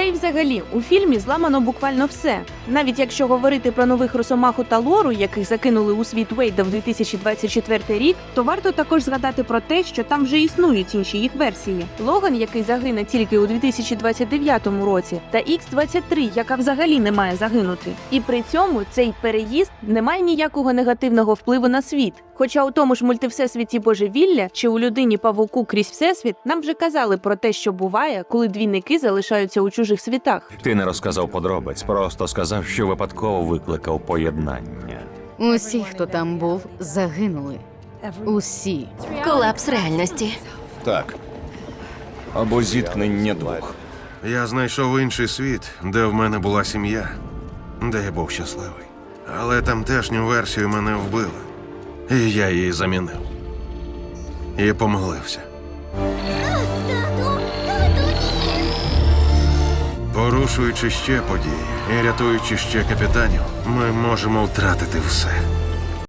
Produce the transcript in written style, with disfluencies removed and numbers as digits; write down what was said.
й взагалі, у фільмі зламано буквально все. Навіть якщо говорити про нових Росомаху та Лору, яких закинули у світ Вейда в 2024 рік, то варто також згадати про те, що там вже існують інші їх версії. Логан, який загине тільки у 2029 році, та Х-23, яка взагалі не має загинути. І при цьому цей переїзд не має ніякого негативного впливу на світ. Хоча у тому ж мультивсесвіті Божевілля чи у людині-павуку крізь всесвіт нам вже казали про те, що буває, коли двійники залишаються у чужих світах. Ти не розказав подробиць, просто сказав, що випадково викликав поєднання. Усі, хто там був, загинули. Усі. Колапс реальності. Так. Або зіткнення двох. Я знайшов інший світ, де в мене була сім'я, де я був щасливий. Але тамтешню версію мене вбили. І я її замінив. І помилився. Порушуючи ще події і рятуючи ще капітанів, ми можемо втратити все.